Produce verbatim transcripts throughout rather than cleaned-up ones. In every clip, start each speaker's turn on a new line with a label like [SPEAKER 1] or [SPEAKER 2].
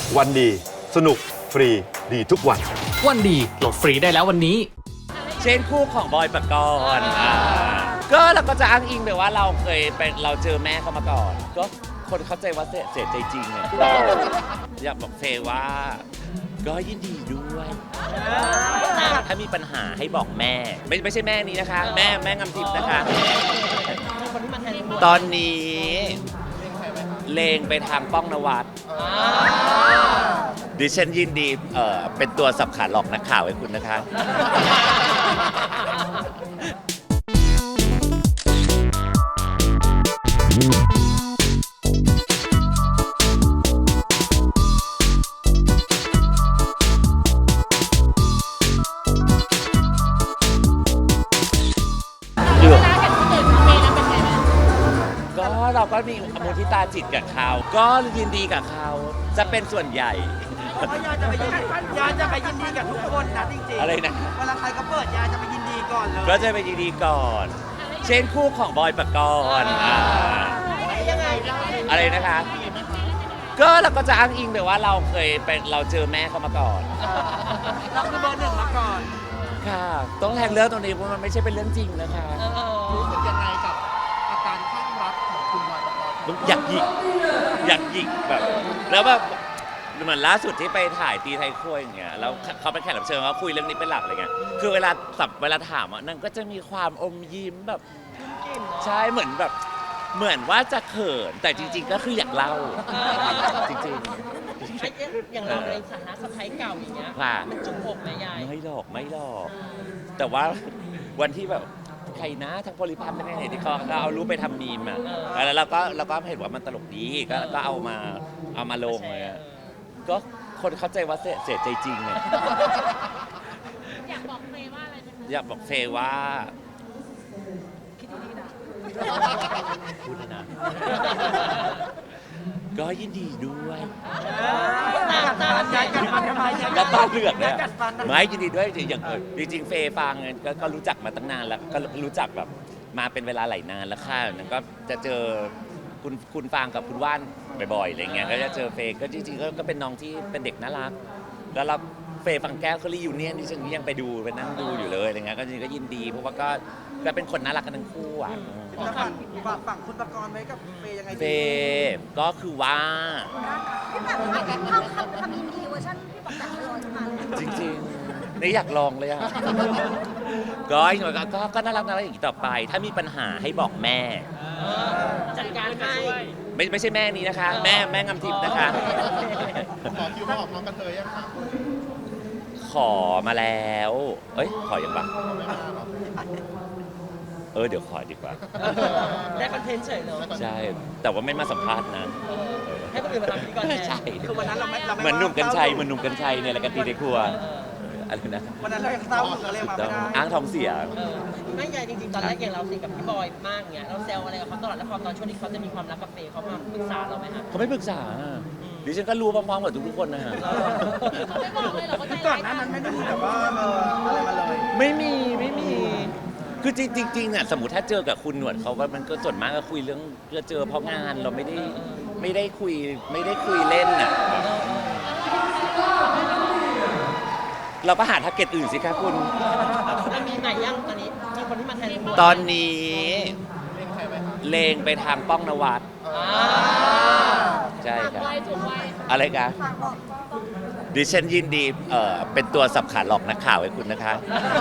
[SPEAKER 1] วันดีสนุกฟรีดีทุกวัน
[SPEAKER 2] วันดีโหลดฟรีได้แล้ววันนี้
[SPEAKER 3] เช่นคู่ของบอยปกรณ์อ่าก็เราก็จะอ้างอิงไปว่าเราเคยเป็นเราเจอแม่เขามาก่อน ก็คนเข้าใจว่าเสียใจจริงเนี่ยอยากบอกเฟย์ว่าก็ยินดีด้วยถ้ามีปัญหาให้บอกแม่ไม่ไม่ใช่แม่นี้นะคะ แม่แม่งำทิพย์นะคะตอนนี้เลงไปทางป้องนวัดดิฉันยินดีเอ่อเป็นตัวสับขาหลอกนักข่าวให้คุณนะคะก็เราก็มีมุทิตาจิตกับเขาก็ยินดีกับเขาจะเป็นส่วนใหญ่
[SPEAKER 4] ยาจะไปยินดียาจะไปยินดีกับทุกคนนะจริงๆ
[SPEAKER 3] อะไรนะ
[SPEAKER 4] เวลาใครก็เปิดยาจะไปยินดีก่อนเลย
[SPEAKER 3] ก็จะไปยินดีก่อน เช่นคู่ของบอยปกรณ์อ่า
[SPEAKER 4] ยังไง
[SPEAKER 3] อะไรนะคะก็เราก็จะอ้างอิงไปว่าเราเคยเป็นเราเจอแม่เขามาก่อน
[SPEAKER 4] เราคือเบอร์หนึ่งมาก่อน
[SPEAKER 3] ค่ะต้องแทงเรื่องตรงนี้เพราะมันไม่ใช่เป็นเรื่องจริงนะคะ
[SPEAKER 4] รู้สึกยังไงกับอาการข้างรักของคุณบอยปกรณ์
[SPEAKER 3] อยากหยิกอยากหยิกแบบแล้วแบบเหมือนล่าสุดที่ไปถ่ายตีไทยครัวอย่างเงี้ยแล้วเขาเป็นแขกรับเชิญเขาคุยเรื่องนี้เป็นหลักอะไรเงี้ยคือเวลาสับเวลาถามอ่ะนั่นก็จะมีความอมยิ้มแบบใช่เหมือนแบบเหมือนว่าจะเขินแต่จริงๆก็คืออยากเล่าจริง
[SPEAKER 5] ๆอย่างเราในฐานะสะใภ้เก่าอย่างเงี้ยมันจุกอกไหมยาย
[SPEAKER 3] ไม่หลอกไม่หลอกแต่ว่าวันที่แบบใครนะทางโพลิพันธ์เป็นไงที่เขาเอารูปไปทำมีมอ่ะแล้วเราก็เราก็เห็นว่ามันตลกดีก็ก็เอามาเอามาลงเลยก็คนเข้าใจว่าเสียใจจริงเนี่ย
[SPEAKER 6] อยากบอกเฟย์ว่าอะไรไหมคะ
[SPEAKER 3] อยากบอกเฟย์ว่า
[SPEAKER 6] คิดดีนะ
[SPEAKER 3] พูดนะก็ยินดีด้วยแล้วตาเลือดเนี่ยไม่ยินดีด้วยอย่างจริงๆเฟย์ฟังก็รู้จักมาตั้งนานแล้วก็รู้จักแบบมาเป็นเวลาหลายนานแล้วค่ะนั้นก็จะเจอคุณคุณฟางกับคุณว่านบ่อยๆอะไรเงี้ยก็จะเจอเฟย์ก็จริงๆก็เป็นน้องที่เป็นเด็กน่ารักแล้วเราเฟย์ฟังแก้วเขารียูเนียนที่ฉันยังไปดูไปนั่งดูอยู่เลยอะไรเงี้ยก็จริงก็ยินดีเพราะว่าก็ก็เป็นคนน่ารักกันทั้งคู่อ่ะ
[SPEAKER 4] ฝั่งฝั่งคุณปกรณ์ไว้กับเฟย์ยังไง
[SPEAKER 3] เฟย์ก็คือว่า
[SPEAKER 6] พี่แบบเขาเขาทำยินดีเวอร์ชันพี่บอกแบบรอจะมาเลย
[SPEAKER 3] จริงๆนี่อยากลองเลยอ่ะก็ก็ก็น่ารักน่ารักอย่างนี้ต่อไปถ้ามีปัญหาให้บอกแม่
[SPEAKER 5] จัดการให้
[SPEAKER 3] ไม่ไม่ใช่แม่นี้นะคะ แม่แม่งำทิพย์นะคะ
[SPEAKER 4] ขอคิวมาออกน้องกระเทยยังคะ
[SPEAKER 3] ขอมาแล้วเอ้ยขอยังบ้างเออเดี๋ยวขอดีกว่า
[SPEAKER 5] ได้คอนเทนต์เฉยเนาะ
[SPEAKER 3] ใช่แต่ว่าไม่มาสัมภาษณ์นะ
[SPEAKER 5] ให้คนอื่นมาทำพิธีกรแทน
[SPEAKER 3] ใช่
[SPEAKER 4] คือวันนั้นเราไม่
[SPEAKER 3] เหมือนหนุ่มกัญชัยเหมือนหนุ่มกัญชัยเนี่ยแหละกันตีในครัวอะไรนะ
[SPEAKER 4] วันนั้นเรายังเศร้าอยู่เลยมาไม่ได้
[SPEAKER 3] อ้างท้องเสีย
[SPEAKER 5] ไม่ใหญ่จริงๆตอนแรกอย่างเราสิกับพี่บอยมากเงี้ยเราแซวอะไรกับเขาตลอดแล้วพอตอนช่วงที่เขาจะมีความรักกับเฟย์เขามาปรึกษาเราไหมฮะ
[SPEAKER 3] เขาไม่ปรึกษาดิฉันก็รู้พร้อมๆกับทุกๆคนนะฮะ
[SPEAKER 6] ไม่บอกเลยเหรอว่าใจ
[SPEAKER 4] ก่อ
[SPEAKER 6] ร้าน ย
[SPEAKER 4] หน้านั้นไม่ได้มีแบบว่าเอออะไรมาเลย
[SPEAKER 3] ไม่มีไม่มีคือจริงๆเนี่ยสมมติถ้าเจอกับคุณหนวดเขาว่ามันก็ส่วนมากก็คุยเรื่องจะเจอเพราะงานเราไม่ได้ไม่ได้คุยไม่ได้คุยเล่นน่ะเราก็หาทาร์เก็ตอื่นสิคะคุณ
[SPEAKER 5] มันมีไหนยังตอนนี้มีคนที่มาแทน
[SPEAKER 3] ตอนนี้เลงไปทางป้องนวัดใช่ครับอะไรกันดิฉันยินดีเอ่อเป็นตัวสับขาหลอกนักข่าวให้คุณนะคะ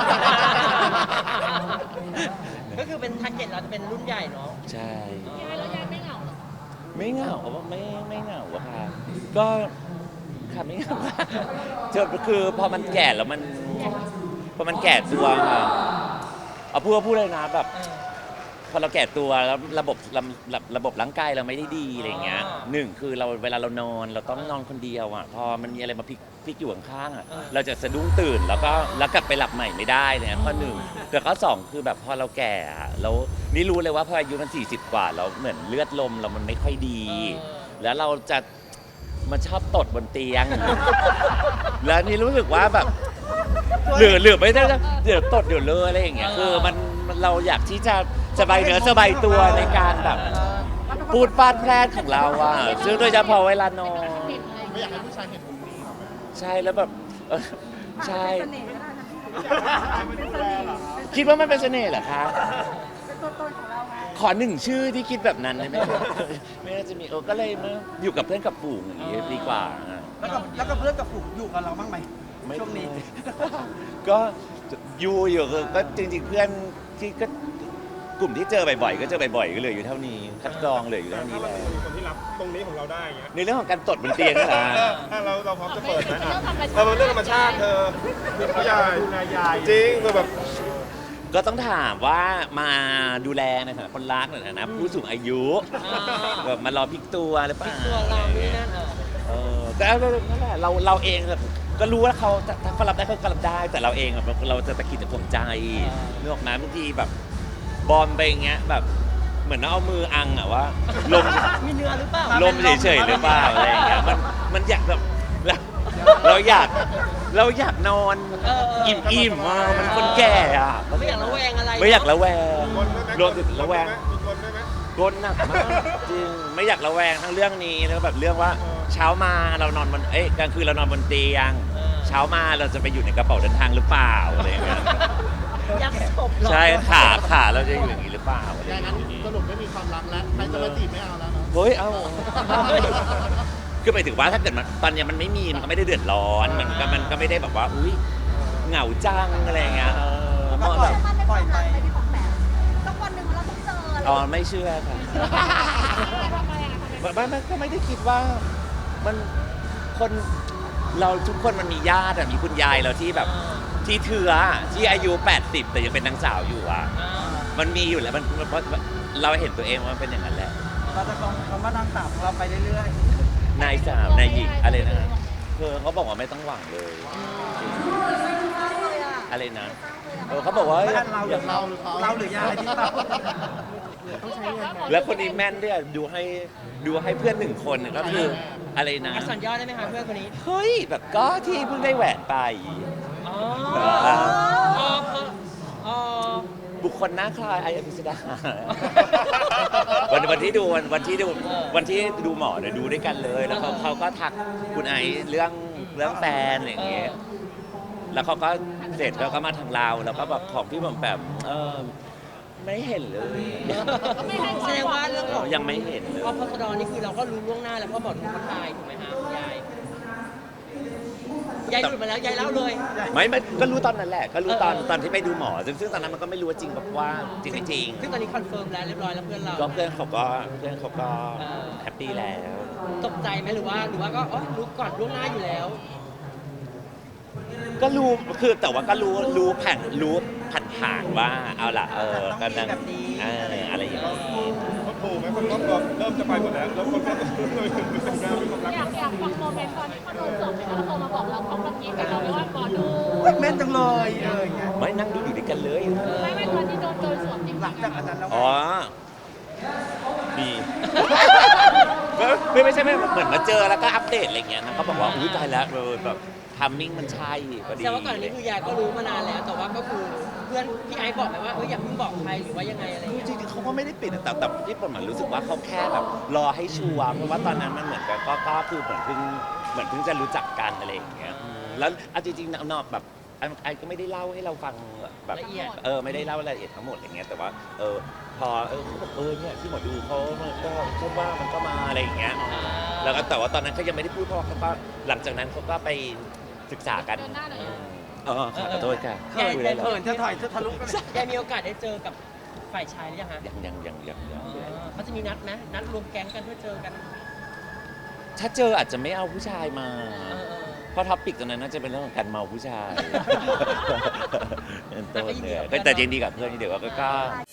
[SPEAKER 5] ก็คือเป็นทาร์เก็ตเราจะเป็นรุ่นใหญ่เนาะ
[SPEAKER 3] ใช่
[SPEAKER 6] แล้วยายไม่เหงา
[SPEAKER 3] ไม่เหงาเพราะว่าไม่ไม่เหงาอะค่ะก็ค่ะไม่เหงาเจอคือพอมันแก่แล้วมันพอมันแก่ตัวค่ะเอาพูดพูดเลยนะแบบพอเราแก่ตัวแล้วระบบระระบบร่างกายเราไม่ได้ดีอะไรเงี้ยหนึ่งคือเราเวลาเรานอนเราต้องนอนคนเดียวอ่ะพอมันมีอะไรมาพลิกพลิกอยู่ข้างๆอ่ะเราจะสะดุ้งตื่นแล้วก็แล้วกลับไปหลับใหม่ไม่ได้เนี่ยข้อหนึ่งแต่ข้อสองคือแบบพอเราแก่แล้วนี่รู้เลยว่าพออายุมันสี่สิบกว่าแล้วเหมือนเลือดลมเรามันไม่ค่อยดีแล้วเราจะมันชอบตดบนเตียงแล้วนี่รู้สึกว่าแบบเหลือเหลือไม่ได้เดี๋ยวตดเดี๋ยวเลอะอะไรอย่างเงี้ยคือมันเราอยากที่จะสบายเนื้อสบายตัวในการแบบพูดฟาดแพร่ของเราอ่ะซึ่งโดยเฉพาะเวลานอน
[SPEAKER 4] ไม่อยากให้ผู้ชายเห็นมุมนี้เหรอ
[SPEAKER 3] ใช่แล้วแบบเออใช่
[SPEAKER 6] เป็นเสน่ห์ก็ได้นะพี่
[SPEAKER 4] ไม่ดูแลเหรอ
[SPEAKER 3] คิดว่ามันเป็นเสน่ห์เหรอคะ
[SPEAKER 6] เป็นตัวตนของเราไง
[SPEAKER 3] ขอหนึ่งชื่อที่คิดแบบนั้นได้ไหมครับ ไม่น่าจะมีเออก็เลยมาอยู่กับเพื่อนกับฝูงอย่างนี้ดีกว่าอ่ะ
[SPEAKER 5] แล้วกับแล้วกับเพื่อนกับฝูงอยู่กับเราบ้างไหม
[SPEAKER 3] ไม่
[SPEAKER 5] ช่วงนี้
[SPEAKER 3] ก็อยู่อยู่ก็ก็จริงๆเพื่อนที่ก็กลุ่มที่เจอบ่อยๆก็เจอบ่อยๆก็เหลยอยู่เท่านี้คัดกรองเหลยอยู่เท่านี้
[SPEAKER 7] ถ้า
[SPEAKER 3] แล้
[SPEAKER 7] มัน
[SPEAKER 3] ว
[SPEAKER 7] มีคนที่รับตรงนี้ของเราได้อย่างเงี้ย
[SPEAKER 3] ในเรื่องของการตดบนเตียงนี่แหละ
[SPEAKER 7] ถ้าเราเราพร้อมจะเปิดไหมอ่ะเออมันเรื่องธรรมชาติเธอคือผู้ใหญ่จริงคือแบบ
[SPEAKER 3] ก็ต้องถามว่ามาดูแลในฐานะคนรักในฐานะผู้สูงอายุแบบมารอพลิกตัวหรือเปล่า
[SPEAKER 5] ตัวเรานี่นั่นเออ
[SPEAKER 3] เออก็นั่นแหละเราเราเองแบบก็รู้ว่าเขาถ้าเขารับได้เขาก็รับได้ แต่เราเองแบบเราจะตะกิดตะขวงใจนึกออกไหมบางทีแบบบอมไปอย่างเงี้ยแบบเหมือนเอามืออังอะว่าลม
[SPEAKER 5] มีเนื้อหรือเปล่า
[SPEAKER 3] ลมเฉยๆหรือเปล่าอะไรอย่างเงี้ยมันมันอยากแบบเราเราอยากเราอยากนอน
[SPEAKER 5] เออเออ
[SPEAKER 3] อิ่มๆอ่ะมันคนแก่อ่ะ
[SPEAKER 5] ไม่อยากระแวงอะไร
[SPEAKER 3] ไม่อยากระแวง
[SPEAKER 7] คนได้ไหม
[SPEAKER 3] รวมถึงระแวง
[SPEAKER 7] มีคนได้ไหม
[SPEAKER 3] กลหนักมากจริงไม่อยากระแวงทั้งเรื่องนี้แล้วก็แบบเรื่องว่าเช้ามาเรานอนบนเอ้ยกลางคืนเรานอนบนเตียง เช้ามาเราจะไปอยู่ในกระเป๋าเดินทางหรือเปล่าอะไรอย่างเงี้ย
[SPEAKER 5] ยักษ์ศพเหรอ
[SPEAKER 3] ใช่ขาขาเราจะอยู่อย่างนี้หรือเปล่าอะไรอ
[SPEAKER 4] อย่าง
[SPEAKER 3] ย่าง
[SPEAKER 4] นั้น
[SPEAKER 3] เงี้ย
[SPEAKER 4] สรุปไม่มีความรักแล้วใครจะมาจีบไม่เอาแล้วเนาะ
[SPEAKER 3] เฮ้ยเอ้าคือหมายถึงว่าถ้าเกิดมันตอนเนี้ยมันไม่มีมันก็ไม่ได้เดือดร้อนมันก็มันก็ไม่ได้แบบว่าอุ้ยเหงาจังอะไรอย่างเงี้ยเออ
[SPEAKER 5] แล้วก็
[SPEAKER 3] มัน
[SPEAKER 5] ปล่
[SPEAKER 3] แบ
[SPEAKER 5] อย
[SPEAKER 3] บ
[SPEAKER 6] มันในความรักไหมพี่ปองแปมสักวันหนึ่งเราต้องเจออะไร
[SPEAKER 3] อ๋อไม่เชื่อค่ะไม่ไม่ก็ไม่ได้คิดว่ามันคนเราทุกคนมันมีญาติอะมีคุณยายเราที่แบบที่เถื่อที่อายุแปดสิบแต่ยังเป็นนางสาวอยู่อ่ะ
[SPEAKER 5] อ่า
[SPEAKER 3] มันมีอยู่แล้วมันเพราะเราเห็นตัวเองว่ามันเป็นอย่างนั้นแหละ
[SPEAKER 5] เราจะฟังคำว่านางสาวของเราไปเรื่อย
[SPEAKER 3] นายสาวนายหญิงอะไรนะเธอเขาบอกว่าไม่ต้องหวังเลยจริง
[SPEAKER 6] เลยอะ
[SPEAKER 3] อะไรนะเออเขาบอกว่า
[SPEAKER 5] ๆบ้านเราห
[SPEAKER 3] อ
[SPEAKER 5] รือย่าง เราเราหรือยายที่เรา
[SPEAKER 3] แล้วคนนี้แม่นด้วยดูให้ดูให้เพื่อนหนึ่งคนก็คืออะไรนะ
[SPEAKER 5] อักษรย่อได้ไหมคะเพื่อนคนนี้
[SPEAKER 3] เฮ้ยแบบก็ที่เพิ่งได้แหวนไป
[SPEAKER 5] อ๋อ
[SPEAKER 3] อ๋อ
[SPEAKER 5] อ๋ออ๋อ
[SPEAKER 3] บุคคลหน้าคล้ายไอ้อภิสดา วันวันที่ดูวันวันที่ดูวันที่ดูหมอเนี่ยดูด้วยกันเลย แล้วเขาเขาก็ทักคุณไอซ์เรื่องเรื่องแฟนอะไรอย่างเงี้ยแล้วเขาก็เสร็จแล้วก็มาทางเราแล้วก็แบบของพี่บอมแบบเออไม่เห็นเลย
[SPEAKER 5] แสดงว่าเรื่องของ
[SPEAKER 3] ยังไม่เห็นเลย
[SPEAKER 5] อพสดนี่คือเราก็รู้ล่วงหน้าแล้วเพราะหมอดูเขาทายถูกไหมคะยายยายหลุดมาแล้วยายเล่าเลย
[SPEAKER 3] ไม่ไม่ก็รู้ตอนนั้นแหละ ก็รู้ตอน
[SPEAKER 5] เออ
[SPEAKER 3] ตอนที่ไปดูหมอ ซึ่งซึ่งตอนนั้นมันก็ไม่รู้ว่าจริงแบบว่าจริงไม่จริง
[SPEAKER 5] ซึ่งตอนนี้คอนเฟิร์มแล้วเรียบร้อยแล้วเพื่อนเรา
[SPEAKER 3] ก็เพื่อนเขาก็เพื่อนเขาก็
[SPEAKER 5] เออ
[SPEAKER 3] แฮปปี้แล้ว
[SPEAKER 5] ตกใจไหมหรือว่าหรือว่าก็อ๋อรู้ก่อนล่วงหน้าอยู่แล้ว
[SPEAKER 3] ก็รู้คือแต่ว่าก็รู้รู้ผ่านรู้ผ่านผ่านๆว่าเอาล่ะเออ
[SPEAKER 5] ต้
[SPEAKER 3] กั
[SPEAKER 5] อน งมี
[SPEAKER 3] นั่ง
[SPEAKER 5] แบบนี้
[SPEAKER 3] เอออะไรอย่างนี้
[SPEAKER 7] คนถูกไหมคนรอบตัวเริ่มจะไปหมดแล้วแล้วคนก็เริ่มมีความรัก
[SPEAKER 8] อยากอยากฟังโมเมนต์ตอนที่เขาโดนสอบเลยแล้วโทรมาบอกเราเขากำลังกินกับเราไม่ว่าหมอดู
[SPEAKER 5] แม่นจังเลยเอออย่างเงี้ย
[SPEAKER 3] ไม่นั่งดูอยู่ด้วยกันเลย
[SPEAKER 8] ไม่ไม่ตอนที่โดนโดนสวมจริง
[SPEAKER 5] หลังจากอันนั้นแล้ว
[SPEAKER 3] อ๋อดีไม่ไม่ใช่ไม่เหมือนมาเจอแล้วก็อัปเดตอะไรเงี้ยนะเขาบอกว่าอุ้ยตายแล้วเออแบบทัมมิ่งมันใช่พอดี
[SPEAKER 5] แต่ว่าก่อนอันนี้คือยายก็รู้มานานแล้ว แต่ว่าก็คือเพื่อนพี่ไอซ์บอกไหมว่าเอออย่าเพิ่งบอกใครหรือว่ายังไงอะไรอย่างเงี้ย
[SPEAKER 3] จริงๆเขาก็ไม่ได้ปิดแต่แต่ที่ผมเหมือนรู้สึกว่าเขาแค่แบบรอให้ชัวร์เพราะว่าตอนนั้นมันเหมือนกับก็ก็คือเหมือนเพิ่งเหมือนเพิ่งจะรู้จักกันอะไรอย่างเงี้ยอืมแล้วเอาจริงๆนอกแบบไอ้ไอ้ก็ไม่ได้เล่าให้เราฟังแบบ
[SPEAKER 5] ละเอียด
[SPEAKER 3] เออไม่ได้เล่ารายละเอียดทั้งหมดอะไรเงี้ยแต่ว่าเออพอเออเขาบอกเออเนี่ยที่หมอดูเขามันก็พูดว่ามันก็มาอะไรอย่างเงี้ยแล้วก็แต่ว่าตอนนั้นเขายังไม่ได้พูดเพราะว่าเขาก็หลังจากนั้นเขาก็ไปศึกษากัน
[SPEAKER 8] เดินหน้าเลย
[SPEAKER 3] เออขอโทษค่ะ
[SPEAKER 5] ยาย
[SPEAKER 3] คุย
[SPEAKER 5] ยา
[SPEAKER 3] ได้
[SPEAKER 5] ย
[SPEAKER 3] เหรอ
[SPEAKER 5] เขินจะถอยจะทะลุกันยายมีโอกาสได้เจอกับฝ่ายชายหรือยังฮะ
[SPEAKER 3] ยังยังยังยังยัง
[SPEAKER 5] อ๋อเขาจะมีนัดไหมนัดรวมแก๊งกันเพื่อเจอกัน
[SPEAKER 3] ถ้าเจออาจจะไม่เอาผู้ชายมา
[SPEAKER 5] เออเออ
[SPEAKER 3] เพราะท็อปิกตรงนั้นน่าจะเป็นเรื่องของการเมาผู้ชายเป็นต้น
[SPEAKER 5] แต่ก็ยินดี
[SPEAKER 3] เนี่ย
[SPEAKER 5] กับเพื่อน
[SPEAKER 3] แต่ยินดีกับเพื่อนเดี๋ยวก็ก็
[SPEAKER 6] ใช่